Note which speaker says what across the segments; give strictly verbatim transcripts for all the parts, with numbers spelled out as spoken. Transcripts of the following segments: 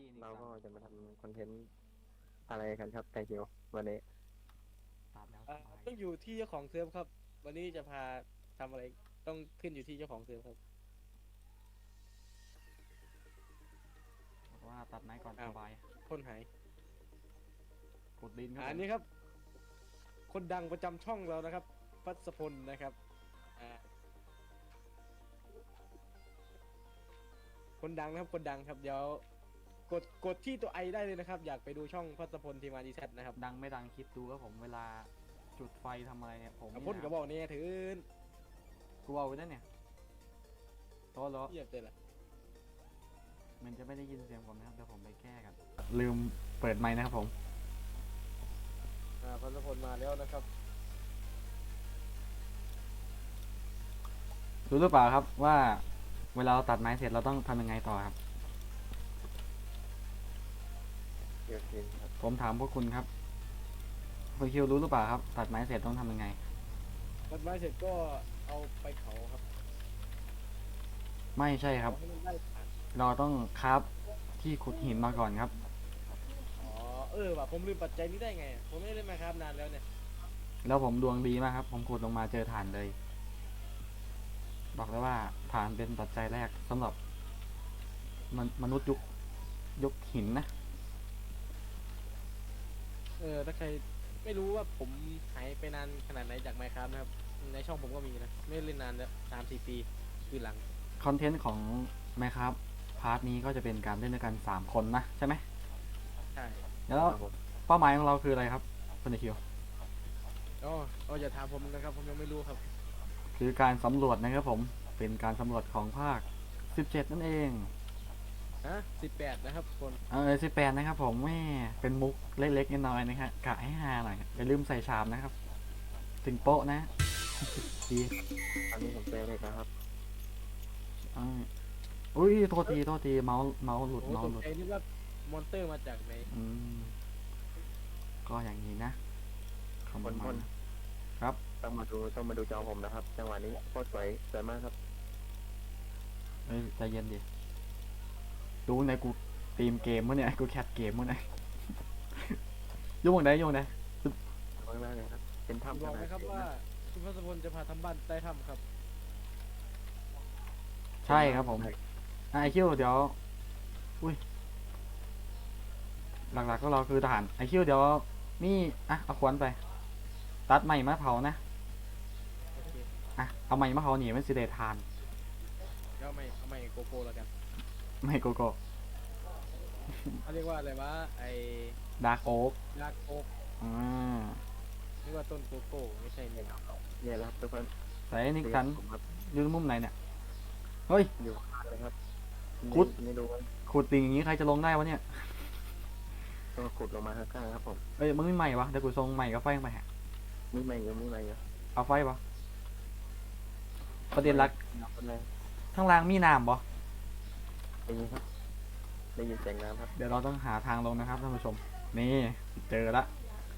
Speaker 1: เราก็จะมาทำคอนเทนต์อะไรกันครับไทคิววันนี้
Speaker 2: ตัดแล้วส
Speaker 3: อ่า
Speaker 2: บาย
Speaker 3: ต้องอยู่ที่เจ้าของเซิร์ฟครับวันนี้จะพาทำอะไรต้องขึ้นอยู่ที่เจ้าของเซิร์ฟครับ
Speaker 2: บอกว่าตัดไม้ก่อนส
Speaker 3: อ้าว
Speaker 2: บาย
Speaker 3: คนหาย
Speaker 2: ขุดดินครับผม
Speaker 3: อ่าอันนี้ครับคนดังประจำช่องเรานะครับพัสพลนะครับอ่าคนดังนะครับคนดังครับเดี๋ยวกดกดที่ตัวไอได้เลยนะครับอยากไปดูช่องพัสพลทีมาดีแซนะครับ
Speaker 2: ดังไม่ดังคิดดูครับผมเวลาจุดไฟทำอะไรเนี่ยผม
Speaker 3: เอา
Speaker 2: นี่
Speaker 3: พ่นกระบอ
Speaker 2: นะ
Speaker 3: กเนี่ยถือ
Speaker 2: กูเอาไว้นั่นเนี่ยโต๊ะแล้ว
Speaker 3: เยียบเลยล่ะ
Speaker 2: มันจะไม่ได้ยินเสียงผมนะครับเดี๋ยวผมไปแก้กันลืมเปิดไมค์นะครับผม
Speaker 3: อ่าพัสพลมาแล้วนะครับ
Speaker 2: รู้หรือเปล่าครับว่าเวลาเราตัดไม้เสร็จเราต้องทำยังไงต่อครับ
Speaker 1: เกี่ยวกินครับ
Speaker 2: ผมถามพวกคุณครับคุณคิวรู้หรือเปล่าครับตัดไม้เสร็จต้องทำยังไง
Speaker 3: ตัดไม้เสร็จก็เอาไปเผาครับ
Speaker 2: ไม่ใช่ค
Speaker 3: เผา
Speaker 2: รับ
Speaker 3: ให้มันได้ถ่าน
Speaker 2: เราต้องคราฟที่ขุดหินมาก่อนครับ
Speaker 3: อ๋อเออว่ะผมลืมปัจจัยนี้ได้ไงอะผมไม่ได้เล่นมาครับนานแล้วเนี่ย
Speaker 2: แล้วผมดวงดีมากครับ ผมขุดลงมาเจอถ่านเลย บอกเลยว่าถ่านเป็นปัจจัยแรกสำหรับมนมนุษย์ยุคยุคหินนะ
Speaker 3: เออถ้าใครไม่รู้ว่าผมหายไปนานขนาดไหนจากไมค์ครับนะครับในช่องผมก็มีนะไม่ได้เล่นนานแล้วสามสี่ปีคือหลัง
Speaker 2: คอนเทนต์ของไมครับพาร์ทนี้ก็จะเป็นการเล่นด้วยกันสามคนนะใช่ไหม
Speaker 3: ใช่
Speaker 2: แล้ว
Speaker 1: ครับผม
Speaker 2: เป้าหมายของเราคืออะไรครับคุณคิว
Speaker 3: อ๋ออ๋ออย่าถามผมนะครับผมยังไม่รู้ครับ
Speaker 2: คือการสำรวจนะครับผมเป็นการสำรวจของภาคสิบเจ็ดนั่นเอง
Speaker 3: ฮะสิบแปดนะครับคน
Speaker 2: เออสิบแปดนะครับผมแม่เป็นมุกเล็กๆน้อยๆนะฮะกะให้ฮาหน่อยอย่าลืมใส่ชามนะครับ ถึงโป๊ะนะดี
Speaker 1: ตอนนี้ผมเจอเลยนะครับ
Speaker 2: อ่าอุ้ยโทษทีโทษทีเมาส์เมาส์หลุด
Speaker 3: โอ้
Speaker 2: เมา
Speaker 3: ต
Speaker 2: ส์
Speaker 3: ก
Speaker 2: หลุด
Speaker 3: ใจนึกว่ามอนเตอร์มาจากไหน
Speaker 2: อืมก็อย่างนี้นะคำ
Speaker 1: คน
Speaker 2: มา
Speaker 1: คน
Speaker 2: ครับ
Speaker 1: ต้องมาดูต้องมาดูจอผมนะครับจังหวะนี้โคตรสวยสวยมากครับ
Speaker 2: เอ้ยใจเย็นดิดูในกูตีมเกมมั้งเนี่ยกูแคทเกมมั้งเนี่ย ยุ่งไหนยุ่งไหน
Speaker 1: มากมากเลยครับเป็น
Speaker 3: ผม
Speaker 1: ถ้ำ
Speaker 3: บอก
Speaker 1: ขนาด
Speaker 3: นะครับว่าคุณพัสพลจะพาทำบ้านใต้ถ้ำครับ
Speaker 2: ใช่ครับผมอ่ะไอคิวเดี๋ยวอุ้ยหลักๆก็เราคือทหารไอคิวเดี๋ยวนี่อ่ะเอาขวานไป ตัดใหม่มาเผานะ
Speaker 3: โอเค
Speaker 2: อ่ะเอาใหม่มาเผาหนีมันสิเดทาน
Speaker 3: เดี๋ยวเอาไม่เอาไม่โกโก้แล้วกัน
Speaker 2: ไม่โกโก้
Speaker 3: เขาเรียกว่าอะไรวะไอ้
Speaker 2: ดาร์กโอ๊ก
Speaker 3: ลากโอ๊ก
Speaker 2: อ่า
Speaker 3: เรียกว่าต้นโกโก้ไม่ใช่เนี่ย
Speaker 1: เนี่ยแหละครับทุกคน
Speaker 2: ใส่นิกสัน
Speaker 1: ผมครับ
Speaker 2: อยู่มุมไหนเนี่ยเฮ้ย
Speaker 1: อยู่ข้างเลยครับ
Speaker 2: ขุด
Speaker 1: ไม่ดูว่า
Speaker 2: ขุดติ่งอย่างนี้ใครจะลงได้วะเนี่ย
Speaker 1: ต้องขุดลงมาข้างๆครับผม
Speaker 2: เอ้ยมึงไม่ใหม่วะเดี๋ยวกูส่งใหม่กับไฟลงไปฮะ
Speaker 1: มีไหมอยู่มีไหมอยู่
Speaker 2: เอาไฟปะประเด็นหลัก
Speaker 1: เอาไปเลย
Speaker 2: ข้างล่างมีน้ำปะ
Speaker 1: ได้ยินครับได้ยินเสียงน้ำครับ
Speaker 2: เดี๋ยวเราต้องหาทางลงนะครับท่านผู้ชมนี่เจอละ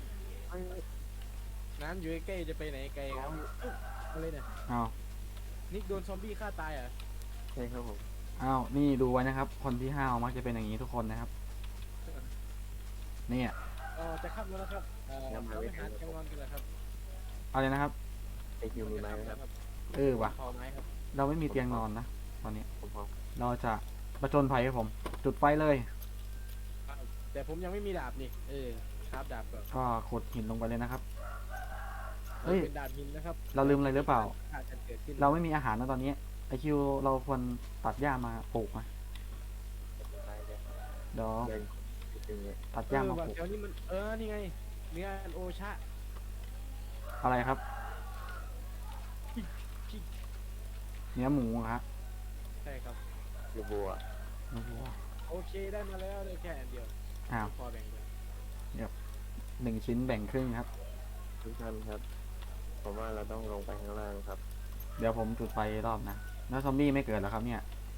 Speaker 3: น้ำอยู่ใกล้ๆจะไปไหนไกลครับอุ๊ยอะไรเนี่ย
Speaker 2: อ้าว
Speaker 3: นิกโดนซอมบี้ฆ่าตายเหรอ่ะ
Speaker 1: ใช่ครับผม
Speaker 2: อ้าวนี่ดูไว้นะครับ คนที่ห้าวมักจะเป็นอย่างนี้ทุกคนนะครับเนี่ย
Speaker 3: เออจะขับแล้วนะครับเออเราไปหาแคมรอนกันเลยครับ
Speaker 2: เอาเลยนะครับ
Speaker 1: ไอคิวมีไหมครับ
Speaker 2: เออว่ะ
Speaker 3: พอไหมครับ
Speaker 2: เราไม่มีเตียงนอนนะตอนนี้
Speaker 1: ผมพอ
Speaker 2: เราจะประจนภัยครับผม จุดไฟเลย
Speaker 3: แต่ผมยังไม่มีดาบนี่เออครับดาบก่อน
Speaker 2: ก็ขุดหินลงไปเลยนะครับ เฮ้ย
Speaker 3: เป็นดาบหินนะครับ
Speaker 2: เราลืมอะไรหรือเปล่า
Speaker 3: อาจจะเกิดขึ้น
Speaker 2: เราไม่มีอาหารนะตอนนี้ไอคิวเราควรตัดหญ้ามาปลูกนะ
Speaker 1: ไปเลย
Speaker 2: เดี๋ยว
Speaker 1: เดินอย่างเงี้ย
Speaker 2: ตัด
Speaker 3: เอ
Speaker 2: หญ้า
Speaker 3: อ
Speaker 2: มา
Speaker 3: ว่ะ
Speaker 2: ปลูก
Speaker 3: แถวนี้มันเออนี่ไงเนื้ออันโอชะ
Speaker 2: อะไรครับ
Speaker 3: พี่พี่
Speaker 2: เนื้อหมูครับ
Speaker 3: ใช่ครับ
Speaker 1: อยู่บัว
Speaker 2: ไม่รู้ว่า
Speaker 3: โอเคได้มาแล้วได้แค่อันเดียว
Speaker 2: อ้าว
Speaker 3: พอแบ่งกัน
Speaker 2: หนึ่งชิ้นแบ่งครึ่งครับ
Speaker 1: ทุกท่านครับ ผมว่าเราต้องลงไปข้างล่างครับ
Speaker 2: เดี๋ยวผมจุดไฟรอบนะแล้วซอมบี้ไม่เกิดแล้วครับเนี่ย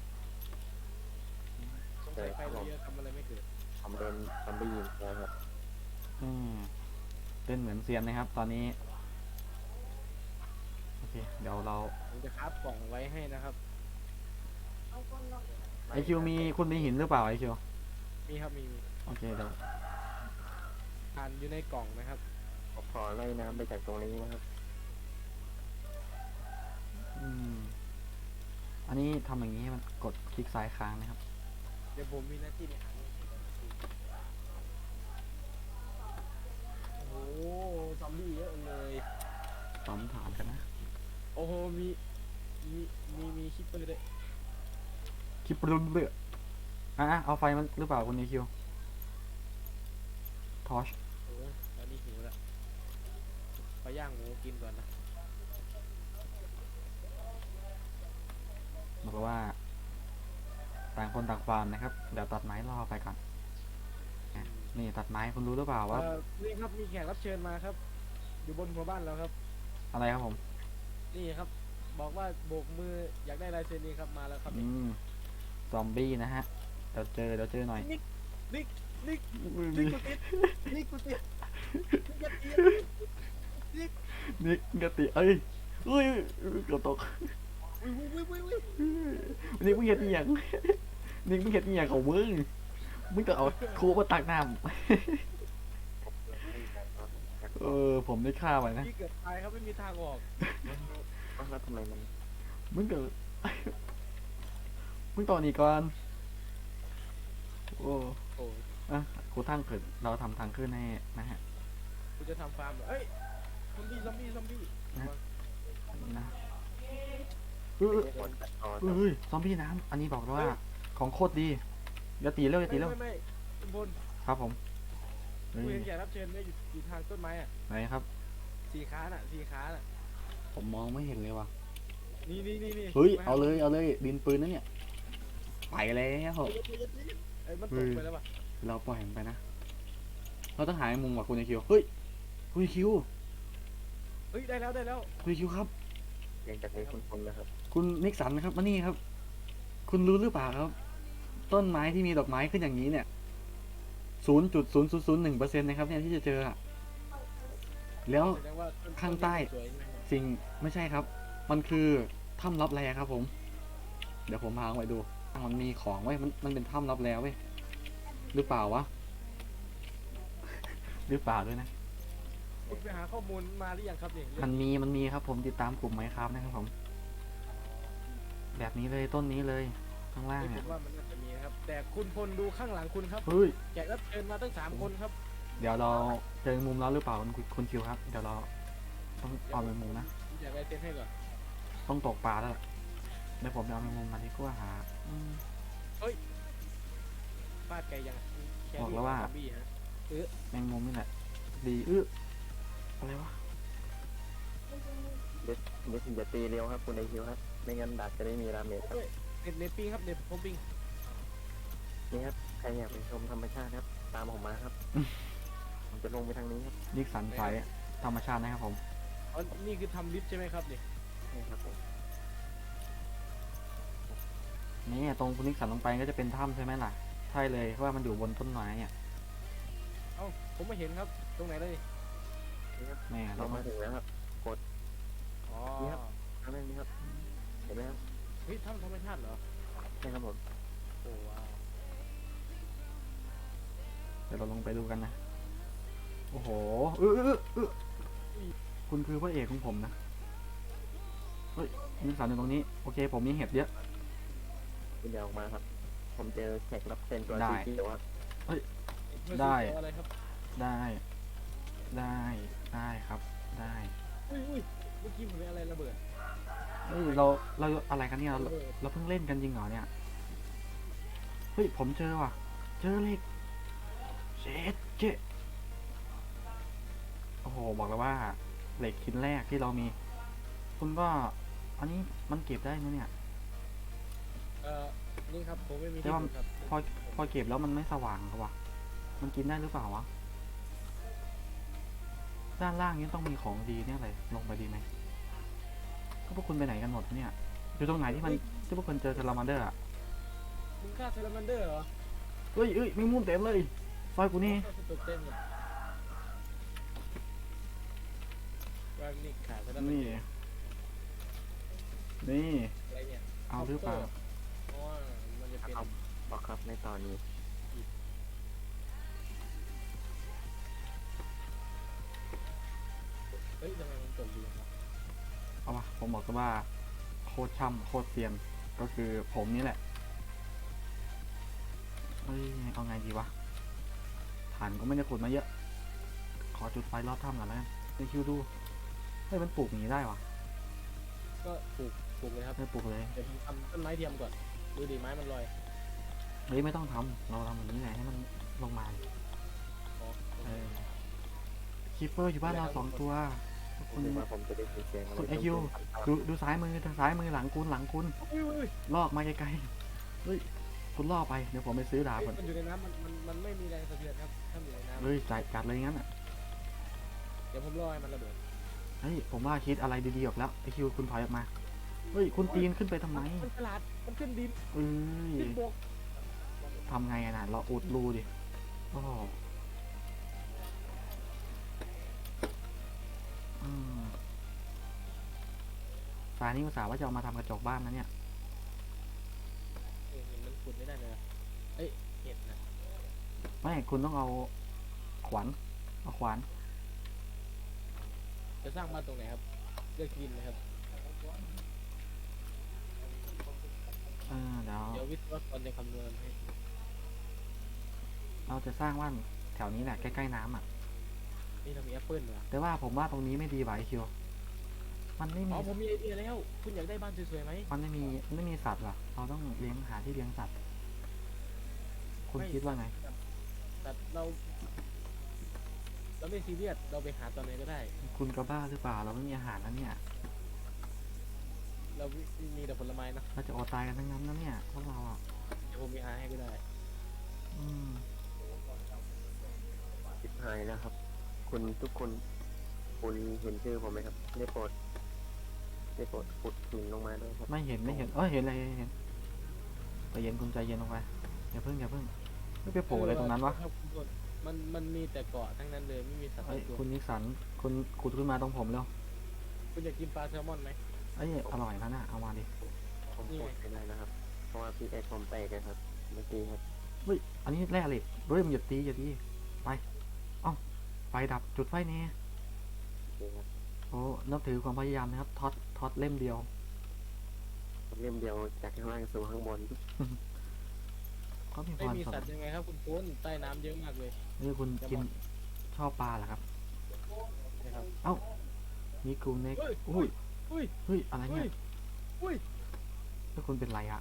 Speaker 3: สงสัยไฟเยอะทำอะไรไม่เกิด
Speaker 1: ผมโดนซอมบี้ยิงแล้วครับ
Speaker 2: อืมเล่นเหมือนเซียนนะครับ ตอนนี้โอเคเดี๋ยวเรา
Speaker 3: ผมจะคับกล่องไว้ให้นะครับ
Speaker 2: ไอคิวมีคุณมีหินหรือเปล่าไอคิว
Speaker 3: มีครับมีมี
Speaker 2: โอเคเดี๋ยว
Speaker 3: ทานอยู่ในกล่องนะครับ
Speaker 1: ผมขอไล่น้ำไปจากตรงนี้นะครับ
Speaker 2: อืมอันนี้ทำอย่างนี้มันกดคลิกซ้ายค้างนะครับ
Speaker 3: เดี๋ยวผมมีหน้าที่ในหาเงินโอ้โหซอมบี้เยอะเลย
Speaker 2: ตอมถามกันนะ
Speaker 3: โอ้โหมีมีมีมีคิปเปอร์ด้วย
Speaker 2: คลิปรุนเลืออ่ะเอาไฟมันหรือเปล่าคุณนิคิวทอช
Speaker 3: โอ้ยตอนนี้หิวแล้วไปย่างหมูกินก่อนนะ
Speaker 2: บอกว่าต่างคนต่างฟาร์มนะครับ เดี๋ยวตัดไม้รอไปก่อนอ่ะนี่ตัดไม้คุณรู้หรือเปล่าว่า
Speaker 3: เอ่อนี่ครับมีแขกรับเชิญมาครับ อยู่บนหัวบ้านแล้วครับ
Speaker 2: อะไรครับผม
Speaker 3: นี่ครับ บอกว่าโบกมืออยากได้ลายเซ็นนี้ครับมาแล้วครับ
Speaker 2: อืมซอมบี้นะฮะเดี๋ยวเจอเดี๋ยวเจอหน่อย
Speaker 3: นิกนิกนิก
Speaker 2: อุ้ย
Speaker 3: นิกกูติดนิกกูติดนิกอย่าตี
Speaker 2: นี่กติเอ้ยอุ้ยเกือบตก
Speaker 3: อุ้ยอุ้ยอุ้ยอุ้ย
Speaker 2: นี่มึงเห็นอหย่างนี่มึงเห็นอหย่างของมึงมึงจะเอาคูมาตักน้ำเออผมได้ฆ่าไปนะ
Speaker 3: พี่เกือบตายครับไม่มีทางออก
Speaker 1: แล้วทำไมมัน
Speaker 2: มึงเกิด มึงต่อนี่ก่อนโอ้
Speaker 3: โอ้ย
Speaker 2: อะครูทั้งเกิดเราทำทางขึ้นให้นะฮะ
Speaker 3: กูจะทำฟาร์มเหรอเอ้ยซอมบี้ซอมบี้ซอมบี้
Speaker 2: นะเออ
Speaker 1: ไม่ควรตัดตอน
Speaker 2: เออเฮ้ยซอมบี้น้ำอันนี้บอกเลยว่าของโคตรดีอย่าตีเร็วอย่าตี
Speaker 3: ไม่
Speaker 2: เร็ว
Speaker 3: ไม่ไม่คุณพล
Speaker 2: ครับผมเฮ้
Speaker 3: กู
Speaker 2: ย
Speaker 3: เห็นแขกรับเชิญเนี่ยอยู่อยู่ทางต้นไม้อ่ะ
Speaker 2: ไหนครับ
Speaker 3: สีขาน่ะสีขาน่ะ
Speaker 2: ผมมองไม่เห็นเลยว่ะ
Speaker 3: นี่นี่นี่นี่
Speaker 2: เฮ้ย
Speaker 3: มา
Speaker 2: เอาเลย เอาเลย ดินปืนนั่นเนี่ย ไปแล้ว
Speaker 3: เอ้ยมันตกไปแล้วป่ะ
Speaker 2: เราปล่อยมันไปนะ เราต้องหาไอ้มุมว่ะคุณไอคิว เฮ้ย คุณไอคิว
Speaker 3: เฮ้ยได้แล้วได้แล้ว
Speaker 2: คุณไอคิวครับ
Speaker 1: ยังจากนี้คุณคนนะครับ
Speaker 2: คุณนิกสันนะครับ มานี่ครับ คุณรู้หรือเปล่าครับ ต้นไม้ที่มีดอกไม้ขึ้นอย่างนี้เนี่ยศูนย์จุดศูนย์ศูนย์ศูนย์หนึ่งเปอร์เซ็นต์นะครับเนี่ยที่จะเจออะแล้ว
Speaker 3: แสดงว่าต้น
Speaker 2: ข้างใต้
Speaker 3: สวยใช่ไหมครับ
Speaker 2: สิ่งไม่ใช่ครับ มันคือถ้ำลับแลครับผม เดี๋ยวผมพาไปดูมันมีของไว้ยมันมันเป็นถ้ำลับแลเว้ย หรือเปล่าวะ หรือเปล่าด้วยนะ
Speaker 3: คุณไปหาข้อมูลมาหรือยังครับเนี่ย
Speaker 2: มันมีมันมีครับผมติดตามกลุ่มไหมครับนะครับผม แบบนี้เลยต้นนี้เลยข้างล่าง
Speaker 3: เฮ้ยผ
Speaker 2: เนี่ย
Speaker 3: มว่ามันน่าจะมีนะครับ แต่คุณพลดูข้างหลังคุณครับ
Speaker 2: เฮ้ย
Speaker 3: แขกรับเชิญมาตั้งสามคนครับ
Speaker 2: เดี๋ยวเราเจอมุมแล้วหรือเปล่าคุณคุณคิวครับ เดี๋ยวเราต้องเอาไปมุมนะ
Speaker 3: ผมอยากได้เซ็นให้ก่อน
Speaker 2: ต้องตกปลาแล้วล่ะเดี๋ยวผมจะเอาไปมุมมาดีกว่าหาอืม
Speaker 3: ฟาดไกลยังแค่
Speaker 2: บอกแล้วว่า
Speaker 3: ซอมบี้ฮะ
Speaker 2: แมงมุมนี่แหละ ดีอื้ออะไรวะ
Speaker 1: เดี๋ยวเดี๋ยวอย่าตีเร็วครับคุณไอคิวครับ ไม่งั้นดักจะได้มีราเมจครับ
Speaker 3: เน็ตเน็ตปิงครับเน็ตผมปิง
Speaker 1: นี่ครับ ใครอยากไปชมธรรมชาติครับ ตามผมมาครับ ผมจะลงไปทางนี้ครับ
Speaker 2: นิกสันสายธรรมชาตินะครับผม
Speaker 3: อ๋อนี่คือทำลิฟต์ใช่ไหมครับเนี่ย
Speaker 1: นี่ครับผม
Speaker 2: นี่ตรงคุณนิกสันลงไปก็จะเป็นถ้ำใช่ไหมล่ะ ใช่เลยเพราะว่ามันอยู่บนต้นไม้อ่ะ
Speaker 3: เอ้าผมไม่เห็นครับ ตรงไหนเลย
Speaker 1: นี่ครับ
Speaker 2: แม่
Speaker 1: เรา
Speaker 2: เรา
Speaker 1: มาถึงแล้วครับ
Speaker 3: อ๋อ
Speaker 1: นี่ครับ ทางนี้ครับ เห็นไหมครับ
Speaker 3: เฮ้ยถ้ำธรรมชาติเหรอ
Speaker 1: ใช่ครับผม
Speaker 3: โอ้ว้าว
Speaker 2: เดี๋ยวเราลงไปดูกันนะ โอ้โหเออเออเออคุณคือพระเอกของผมนะ เฮ้ยนิกสันอยู่ตรงนี้ โอเค ผมมีเห็ดเยอะ
Speaker 1: คุณอย่าออกมาครับ ผมเจอแขกรับเชิญตัว
Speaker 2: ได้
Speaker 1: สีเขียวครับ
Speaker 3: เพื่อ
Speaker 2: ได้
Speaker 3: ซื้อของอะไรครับ
Speaker 2: ได้ ได้ ได้ครับ ได้
Speaker 3: อุ้ยอุ้ยเมื่อกี้ผมเป็นอะไรระเบิด
Speaker 2: เฮ้ย เรา เราอะไรกันเนี่ย เรา
Speaker 3: ระเบิด
Speaker 2: เราเพิ่งเล่นกันจริงเหรอเนี่ย เฮ้ย ผมเจอว่ะ เจอเหล็กเช็ดเจ๊โอ้โห บอกเลยว่าเหล็กชิ้นแรกที่เรามี คุณก็ อันนี้มันเก็บได้ไหมเนี่ย
Speaker 3: เอ่อนี่ครับผมไม่มี
Speaker 2: แต่
Speaker 3: ที่
Speaker 2: ว่า
Speaker 3: ขุดครับ
Speaker 2: พอ พอเก็บแล้วมันไม่สว่างครับวะ มันกินได้หรือเปล่าวะ ด้านล่างนี้ต้องมีของดีเนี่ยอะไร ลงไปดีไหมก็พวกคุณไปไหนกันหมดเนี่ย อยู่ตรงไหนที่มันที่พวกคุณเจอซาลามันเดอร์อะ
Speaker 3: มึงฆ่าเซลมันเดอร์เหรอ
Speaker 2: เฮ้ยเฮ้ยแมงมุมเต็มเลยซอยกูนี่
Speaker 3: ฆ่าตัวเต็มเลยว่านี่ขาเซลมันเดอ
Speaker 2: นี่
Speaker 3: ร์
Speaker 2: นี่
Speaker 3: อะไรเนี่ย
Speaker 2: เอาหรือเปล่า
Speaker 3: เพราะว่ามันจะเป็น
Speaker 1: เอาบอกครับในตอนนี้
Speaker 2: ผมบอกเลยว่าโคตรช่ำโคตรเซียนก็คือผมนี่แหละเอ้ยเอาไงดีวะฐานก็ไม่ได้ขุดมาเยอะ ขอจุดไฟรอบถ้ำก่อนแล้วกันไปคิวดูเฮ้ยมันปลูกอย่างนี้ได้วะ
Speaker 3: ก็ปลูกปลูกเลยครับ
Speaker 2: ไม่ปลูกเลย
Speaker 3: เดี๋ยวผมทำต้นไม้เทียมก่อนดูดิไม้มันลอย
Speaker 2: เฮ้ยไม่ต้องทำเราทำอย่างนี้ไงให้มันลงมา
Speaker 3: อ๋อ
Speaker 2: เออคีเปอร์อยู่บ้านเราสองตัว
Speaker 1: ผ
Speaker 2: คุ
Speaker 1: ม
Speaker 2: ณ
Speaker 1: คิดว่าผมจะได้ยินเสียงอะไร
Speaker 2: คุณไอคิว
Speaker 1: ตุ้ม
Speaker 2: ดูดูซ้ายมือทางซ้ายมือหลังคุณหลังคุณ
Speaker 3: อุ้ยอุ้ยอุ้ย
Speaker 2: ลอกมาไกลๆเฮ้ยคุณล่อไปเดี๋ยวผมไปซื้อดาบ
Speaker 3: เฮ้ย
Speaker 2: ก่อน
Speaker 3: มันอยู่ในน้ำมันมันมันไม่มีแรงสะเทือนครับถ้ามันอยู่ในน้ำ
Speaker 2: เฮ้ยจัดจัดเลยงั้นอ่ะ
Speaker 3: เดี๋ยวผมรอให้มันระเบิด
Speaker 2: เฮ้ยผมว่าคิดอะไรดีๆออกแล้วไอคิวคุณถอยออกมาเฮ้ยคุณปีนขึ้นไปทำไม
Speaker 3: มันฉลาดมันขึ้นดิน
Speaker 2: เอ้ย
Speaker 3: ขึ้นบก
Speaker 2: ทำไงอะน่ะเราอุดรูดิโอ้โหอืมสายนี้อุตส่าห์ว่าจะเอามาทำกระจกบ้านนะเนี่ย
Speaker 3: เออเห็นมันขุดไม่ได้เลยนะเอ้ยเห็ดนะ
Speaker 2: ไม่คุณต้องเอาขวานเอาขวาน
Speaker 3: จะสร้างบ้านตรงไหนครับเลือกดินเลยครับ
Speaker 2: เออเดี๋ยว
Speaker 3: เดี๋ยววิศวกรจะคำนวณให้
Speaker 2: เราจะสร้างบ้านแถวนี้แหละใกล้ๆน้ำอ่ะ
Speaker 3: นี่เรามีแอปเปิลเหรอ
Speaker 2: แต่ว่าผมว่าตรงนี้ไม่ดีว่ะไอคิวมันไม่
Speaker 3: อ๋
Speaker 2: มี
Speaker 3: อผมมีไอเดียแล้ว คุณอยากได้บ้านสวยๆไหม
Speaker 2: มันไม่มีมันไม่มีสัตว์ว่ะเราต้องเลี้ยงหาที่เลี้ยงสัตว์ คุณคิดว่าไง
Speaker 3: แต่เรา เราไม่ซีเรียสเราไปหาตอนไหนก็ได้
Speaker 2: คุณก็บ้าหรือเปล่าเราไม่มีอาหารแล้วเนี่ย
Speaker 3: เรามีแต่ผลไม้นะ
Speaker 2: เราจะอดตายกันทั้งนั้นนะเนี่ยพวกเราอ่ะ
Speaker 3: เดี๋ยวผมมีหาให้ก็ได้
Speaker 2: อืม
Speaker 1: ชิบหายแล้วครับ คุณทุกคนคุณเห็นชื่อผมไหมครับได้โปรดได้โปรดขุดหินลงมาด้วยครับ
Speaker 2: ไม่เห็นไม่เห็นเออเห็นอะไรเห็นใจเย็นคุณใจเย็นลงไปอย่าเพิ่งอย่าเพิ่งไม่ไปโผล่อะไรตรงนั้นวะ
Speaker 3: ครับคุณพลมันมันมีแต่เกาะทั้งนั้นเลยไม่มีสัตว์
Speaker 2: เอ้ย
Speaker 3: ตัว
Speaker 2: คุณนิกสันคุณขุดขึ้นมาตรงผมเร็ว
Speaker 3: คุณอยากกินปลาแซลมอนไหม
Speaker 2: เอ้ยอร่อยนะน่ะเอามาดิ
Speaker 1: ผม
Speaker 3: นี่ไง
Speaker 1: ขุดไม่ได้นะครับ เพราะว่าพี่เอ็กผมแตกเลยครับเมื่อกี้ครับ
Speaker 2: เฮ้ยอันนี้แร่เหล็กเฮ้ยมันอย่าตีอย่าตีไปเอ้าไฟดับจุดไฟแน่
Speaker 1: โอเคครับ
Speaker 2: โอ้นับถือความพยายามนะครับท็อตท็อตเล่มเดียว
Speaker 1: เล่มเดียวจากข้างล่างสู่ข้างบน
Speaker 2: เขามีพ
Speaker 3: ไม่
Speaker 2: ร
Speaker 3: มี
Speaker 2: สวร
Speaker 3: สัต
Speaker 2: ร
Speaker 3: ว์
Speaker 2: ค์
Speaker 3: ยังไงครับคุณพลใต้น้ำเยอะมากเลย
Speaker 2: เฮ้ยคุณกินชอบปลาเหรอครับ
Speaker 3: นะครับ
Speaker 2: มีกูเน็ก
Speaker 3: เฮ้ย
Speaker 2: อุ้ย
Speaker 3: อุ้ย
Speaker 2: เฮ้ยอะไร
Speaker 3: อุ้
Speaker 2: เนี่ย
Speaker 3: ยอุ้ย
Speaker 2: แล้วคุณเป็นไรอะ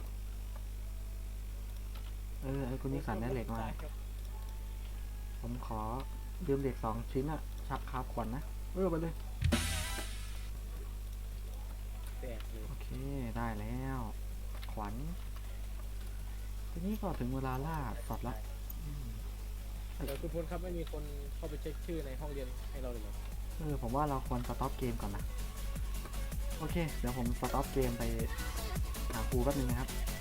Speaker 2: เออไอ้คุณนิกสันได้เหล็กมา
Speaker 3: ครับ
Speaker 2: ผมขอยืมเหล็กสองชิ้นอะชักคาบขวัญนะเออไปเลย
Speaker 3: แตกเลย
Speaker 2: โอเคได้แล้ว ขวัญทีนี้ก็ถึงเวลาล่าสัตว์ละอืม
Speaker 3: เดี๋ยวคุณพลครับไม่มีคนเข้าไปเช็คชื่อในห้องเรียนให้เราเลยเหรอ
Speaker 2: เออผมว่าเราควรสต็อปเกมก่อนนะ โอเค เดี๋ยวผมสต็อปเกมไปหาครูแป๊บนึงนะครับ